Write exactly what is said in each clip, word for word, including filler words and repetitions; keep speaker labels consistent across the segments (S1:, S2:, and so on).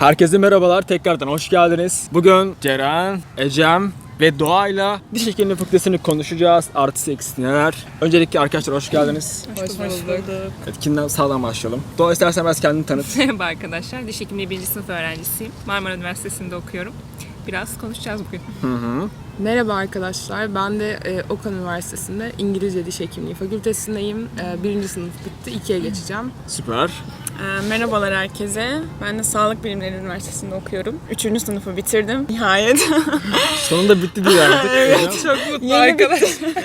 S1: Herkese merhabalar, tekrardan hoş geldiniz. Bugün Ceren, Ecem ve Doğa'yla diş hekimliği fakültesini konuşacağız. Artısı eksisi neler? Öncelikle arkadaşlar hoş geldiniz.
S2: Hoş bulduk.
S1: Evet, kimden sağdan başlayalım? Doğa, istersen biraz kendini tanıt.
S2: Merhaba arkadaşlar. Diş hekimliği birinci sınıf öğrencisiyim. Marmara Üniversitesi'nde okuyorum. Biraz konuşacağız bugün.
S1: Hı hı.
S3: Merhaba arkadaşlar, ben de e, Okan Üniversitesi'nde İngilizce Diş Hekimliği Fakültesindeyim. E, birinci sınıf bitti, ikiye geçeceğim.
S1: Süper.
S4: Ee, merhabalar herkese. Ben de Sağlık Bilimleri Üniversitesi'nde okuyorum. Üçüncü sınıfı bitirdim. Nihayet.
S1: Sonunda bitti diye artık.
S4: Evet, çok mutlu arkadaş.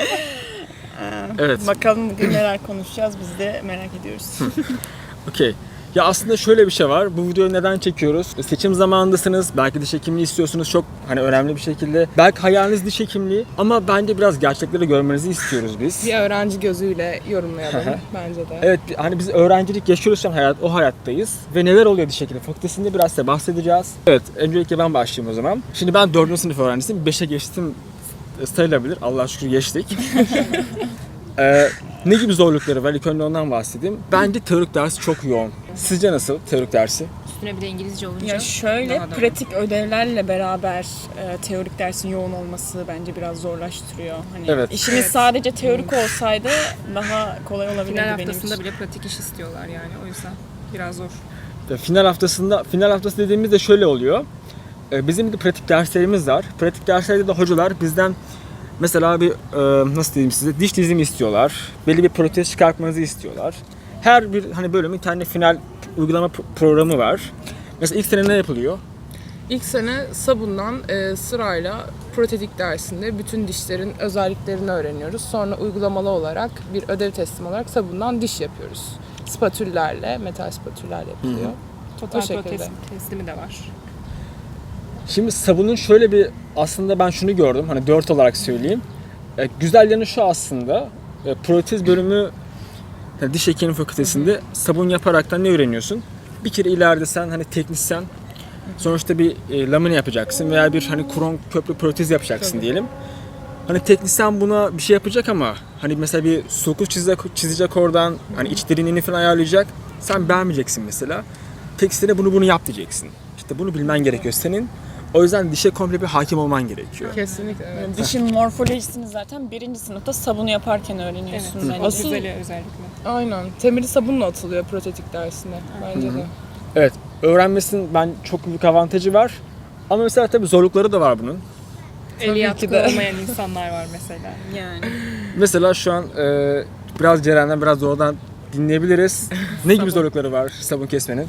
S1: Evet.
S4: Bakalım bugün neler konuşacağız, biz de merak ediyoruz.
S1: Okey. Ya aslında şöyle bir şey var. Bu videoyu neden çekiyoruz? Seçim zamanındasınız. Belki diş hekimliği istiyorsunuz çok hani önemli bir şekilde. Belki hayaliniz diş hekimliği ama bence biraz gerçekleri görmenizi istiyoruz biz.
S3: Bir öğrenci gözüyle yorumlayalım bence de.
S1: Evet, hani biz öğrencilik yaşıyoruz şu an, hayat, o hayattayız. Ve neler oluyor diş hekimliği fakültesinde biraz size bahsedeceğiz. Evet, öncelikle ben başlayayım o zaman. Şimdi ben dördüncü sınıf öğrencisiyim. beşe geçtim sayılabilir. Allah'a şükür geçtik. Ee, ne gibi zorlukları var? İlk önce ondan bahsedeyim. Bence teorik dersi çok yoğun. Sizce nasıl teorik dersi?
S2: Üstüne bir de İngilizce olunca
S4: Ya şöyle,
S2: daha da-
S4: pratik ödevlerle beraber e, teorik dersin yoğun olması bence biraz zorlaştırıyor. Hani
S1: Evet.
S4: işimiz
S2: Evet.
S4: sadece teorik olsaydı daha kolay olabilirdi
S2: final
S4: benim
S2: haftasında
S4: için.
S2: bile pratik iş istiyorlar yani. O yüzden biraz zor.
S1: Ve final haftasında, final haftası dediğimizde şöyle oluyor. Ee, bizim de pratik derslerimiz var. Pratik derslerde de hocalar bizden mesela bir e, nasıl diyeyim size, diş dizimi istiyorlar. Belli bir protez çıkartmanızı istiyorlar. Her bir hani bölümün kendi final uygulama pro- programı var. Mesela ilk sene ne yapılıyor?
S3: İlk sene sabundan e, sırayla protetik dersinde bütün dişlerin özelliklerini öğreniyoruz. Sonra uygulamalı olarak bir ödev teslim olarak sabundan diş yapıyoruz. Spatüllerle, metal spatüllerle yapılıyor.
S2: Total
S3: O şekilde.
S2: protez teslimi de var.
S1: Şimdi sabunun şöyle bir, aslında ben şunu gördüm, hani dört olarak söyleyeyim. E, güzel yanı şu aslında, e, protez bölümü yani diş hekimliği fakültesinde sabun yaparaktan ne öğreniyorsun? Bir kere ileride sen hani teknisyen, sonuçta bir e, lamine yapacaksın veya bir hani kron köprü protez yapacaksın
S3: Tabii.
S1: diyelim. Hani teknisyen buna bir şey yapacak ama hani mesela bir sulku çizecek, çizecek oradan, hani iç derinliğini falan ayarlayacak. Sen beğenmeyeceksin mesela. Teknisyene bunu bunu yap diyeceksin. İşte bunu bilmen gerekiyor senin. O yüzden dişe komple bir hakim olman gerekiyor.
S3: Kesinlikle evet.
S4: Yani dişin morfolojisini zaten birinci sınıfta sabunu yaparken öğreniyorsun
S2: Evet.
S4: bence.
S3: Asıl-
S2: Güzeli özellikle.
S3: Aynen. Temeli sabunla atılıyor protetik dersine bence de.
S1: Evet, öğrenmesinin ben çok büyük avantajı var. Ama mesela tabii zorlukları da var bunun.
S2: Eli
S3: ki
S2: yatkın
S3: de.
S2: olmayan insanlar var mesela.
S4: Yani.
S1: Mesela şu an e, biraz Ceren'den biraz Doğu'dan dinleyebiliriz. Ne gibi zorlukları var sabun kesmenin?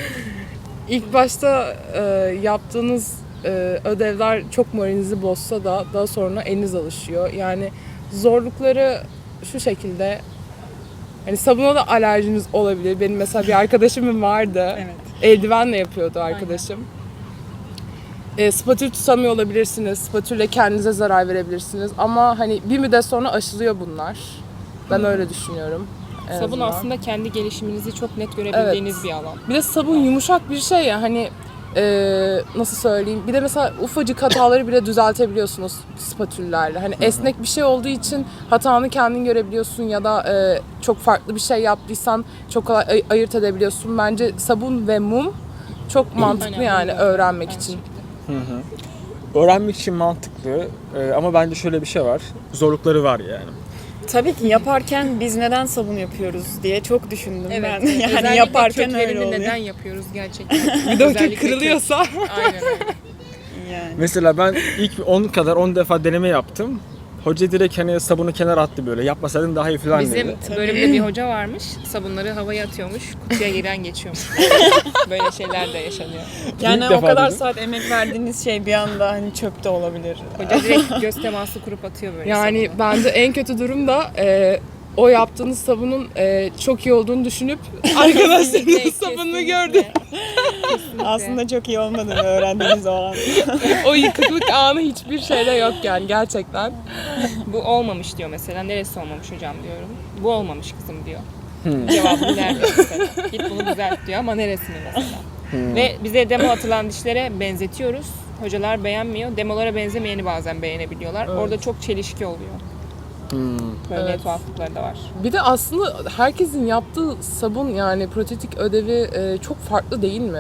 S3: İlk başta e, yaptığınız e, ödevler çok moralinizi bozsa da daha sonra eliniz alışıyor. Yani zorlukları şu şekilde, hani sabuna da alerjiniz olabilir. Benim mesela bir arkadaşımın vardı.
S2: Evet.
S3: Eldivenle yapıyordu arkadaşım. E, spatül tutamıyor olabilirsiniz. Spatülle kendinize zarar verebilirsiniz. Ama hani bir müddet sonra aşılıyor bunlar. Ben öyle düşünüyorum. en
S2: Sabun
S3: azından.
S2: aslında kendi gelişiminizi çok net görebildiğiniz
S3: Evet.
S2: bir alan.
S3: Bir de sabun yumuşak bir şey ya, hani e, nasıl söyleyeyim, bir de mesela ufacık hataları bile düzeltebiliyorsunuz spatüllerle. Hani esnek bir şey olduğu için hatanı kendin görebiliyorsun ya da e, çok farklı bir şey yaptıysan çok kolay ay- ayırt edebiliyorsun. Bence sabun ve mum çok mantıklı
S2: Aynen,
S3: yani
S2: öyle.
S3: öğrenmek
S2: Aynı
S3: için.
S2: şekilde.
S1: Öğrenmek için mantıklı e, ama bence şöyle bir şey var. Zorlukları var yani.
S4: Tabii ki yaparken biz neden sabun yapıyoruz diye çok düşündüm
S2: Evet.
S4: ben. Yani
S2: Özellikle
S4: yaparken öyle
S2: köklerini
S4: oluyor.
S2: neden yapıyoruz gerçekten?
S3: Bir de o
S2: Özellikle
S3: kök kırılıyorsa.
S2: kök. Aynen öyle.
S4: Yani.
S1: Mesela ben ilk on kadar on defa deneme yaptım. Hoca direkt hani sabunu kenara attı böyle. Yapmasaydın daha iyi falan
S2: Bizim
S1: dedi.
S2: bölümde bir hoca varmış. Sabunları havaya atıyormuş. Kutuya giren geçiyormuş. Böyle şeyler de yaşanıyor.
S4: Yani
S1: İlk
S4: o
S1: defa
S4: kadar
S1: dedim.
S4: saat emek verdiğiniz şey bir anda hani çöpte olabilir.
S2: Hoca direkt göz teması kurup atıyor böyle
S3: Yani
S2: sabunu.
S3: bence en kötü durum da e, o yaptığınız sabunun e, çok iyi olduğunu düşünüp arkadaşlarınızın
S2: Kesinlikle,
S3: sabununu
S2: kesinlikle.
S3: gördü.
S4: Aslında çok iyi olmadığını öğrendiğiniz o an.
S3: O yıkıklık anı hiçbir şeyde yok yani gerçekten.
S2: Bu olmamış diyor mesela. Neresi olmamış hocam diyorum. Bu olmamış kızım diyor. Cevabını verdi mesela. Git bunu düzelt diyor ama neresini mesela. Ve bize demo atılan dişlere benzetiyoruz. Hocalar beğenmiyor. Demolara benzemeyeni bazen beğenebiliyorlar.
S3: Evet.
S2: Orada çok çelişki oluyor. Böyle
S3: Evet.
S2: tuhaflıkları da var.
S3: Bir de aslında herkesin yaptığı sabun, yani protetik ödevi e, çok farklı değil mi?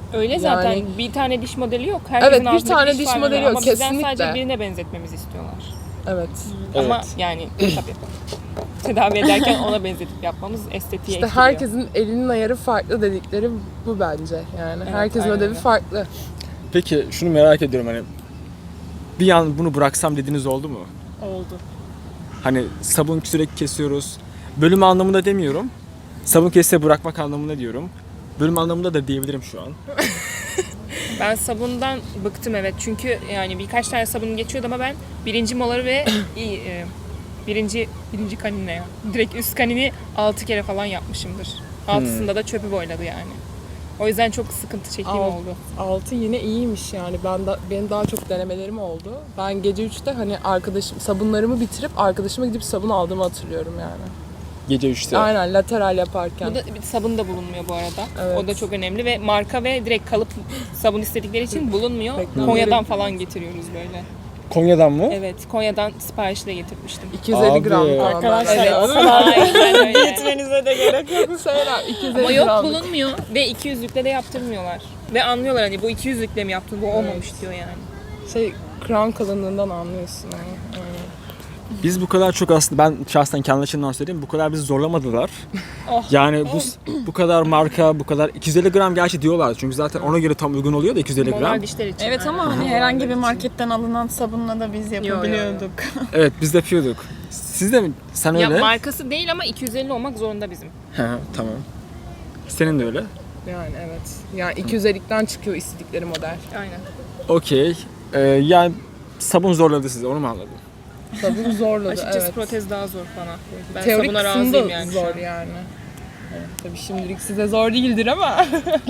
S2: Öyle zaten
S3: Yani-
S2: bir tane diş modeli yok. Herkesin
S3: Evet, bir
S2: ağzında
S3: tane
S2: diş
S3: diş
S2: var
S3: modeli
S2: ama
S3: yok,
S2: bizden
S3: kesinlikle.
S2: sadece birine benzetmemizi istiyorlar.
S3: Evet.
S2: Ama
S1: Evet.
S2: yani tabii tedavi ederken ona benzetip yapmamız estetiğe
S3: İşte
S2: etkiliyor.
S3: herkesin elinin ayarı farklı dedikleri bu bence. Yani
S2: Evet,
S3: herkesin
S2: aynen
S3: ödevi
S2: öyle.
S3: farklı.
S1: Peki şunu merak ediyorum hani bir an bunu bıraksam dediğiniz oldu mu?
S4: Oldu.
S1: Hani sabun sürekli kesiyoruz. Bölüm anlamında demiyorum. Sabun kesse bırakmak anlamında diyorum. Bölüm anlamında da diyebilirim şu an.
S2: Ben sabundan bıktım evet. Çünkü yani birkaç tane sabun geçiyordu ama ben birinci moları ve iyi, e, birinci birinci kanini ne ya? Direkt üst kanini altı kere falan yapmışımdır. Altısında da çöpü boyladı yani. O yüzden çok sıkıntı çektiğim
S3: Al-
S2: oldu.
S3: Altı yine iyiymiş yani. Ben da, benim daha çok denemelerim oldu. Ben gece üçte hani arkadaşım sabunlarımı bitirip arkadaşıma gidip sabun aldığımı hatırlıyorum yani.
S1: Gece üçte.
S3: Aynen lateral yaparken.
S2: Bu da bir sabun da bulunmuyor bu arada.
S3: Evet.
S2: O da çok önemli ve marka ve direkt kalıp sabun istedikleri için bulunmuyor.
S3: Reklamları-
S2: Konya'dan falan getiriyoruz böyle.
S1: Konya'dan mı?
S2: Evet, Konya'dan siparişle getirmiştim.
S3: iki yüz elli
S1: Abi.
S3: gram falan.
S4: Arkadaşlar,
S3: Evet.
S4: o kadar
S2: Aynen öyle.
S4: gitmenize de gerek yok.
S3: Şeyler iki yüz
S2: Ama
S3: elli
S2: yok
S3: gramlık.
S2: bulunmuyor ve iki yüzlükle de yaptırmıyorlar. Ve anlıyorlar hani bu iki yüzlükle mi yaptın, bu olmamış diyor yani.
S3: Şey kram kalınlığından anlıyorsun. Yani. Aynen.
S1: Biz bu kadar çok aslında ben şahsen kendi açımdan söyleyeyim bu kadar bizi zorlamadılar.
S2: Oh.
S1: Yani bu bu kadar marka bu kadar iki yüz elli gram gerçi diyorlar çünkü zaten ona göre tam uygun oluyor da iki yüz elli gram.
S2: Molar dişler için.
S4: Evet
S2: aynen.
S4: ama hani herhangi bir marketten alınan sabunla da biz
S2: yo, yo.
S4: yapabiliyorduk.
S1: Evet biz de yapıyorduk. Siz de mi? Sen
S2: Ya
S1: öyle.
S2: markası değil ama iki yüz elli olmak zorunda bizim.
S1: He, tamam. Senin de öyle.
S3: Yani evet. Yani iki yüz ellikten çıkıyor istedikleri model.
S2: Aynen.
S1: Okey. Ee, yani sabun zorladı sizi onu mu anladım?
S3: Sabun zorladı
S2: Açıkçası
S3: evet.
S2: protez daha zor bana. Ben
S3: Teorik
S2: sabuna
S3: kısmı
S2: razıyım
S3: da
S2: yani şu
S3: zor
S2: an.
S3: yani. Evet, tabii şimdilik size zor değildir ama.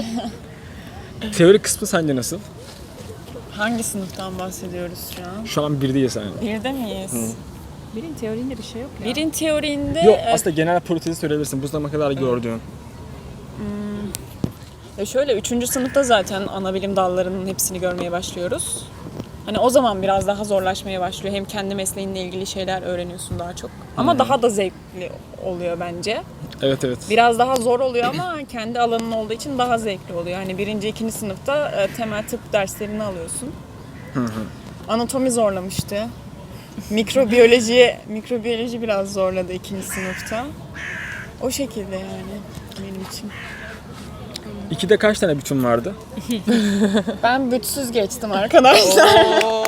S1: Teorik kısmı sence nasıl?
S4: Hangi sınıftan bahsediyoruz şu an?
S1: Şu an bir değilsen yani.
S4: Birde miyiz?
S2: Birin teorinde bir şey yok ya.
S4: Birin teorinde
S1: Yok
S4: e,
S1: aslında genel protezi söyleyebilirsin. Bu zamana kadar gördüğün.
S4: ya şöyle üçüncü sınıfta zaten ana bilim dallarının hepsini görmeye başlıyoruz. Hani o zaman biraz daha zorlaşmaya başlıyor. Hem kendi mesleğinle ilgili şeyler öğreniyorsun daha çok. Ama daha da zevkli oluyor bence.
S1: Evet evet.
S4: Biraz daha zor oluyor ama kendi alanın olduğu için daha zevkli oluyor. Hani birinci, ikinci sınıfta e, temel tıp derslerini alıyorsun. Anatomi zorlamıştı. Mikrobiyoloji, mikrobiyoloji biraz zorladı ikinci sınıfta. O şekilde yani benim için.
S1: İkide kaç tane bütün vardı?
S4: Ben bütsüz geçtim arkadaşlar.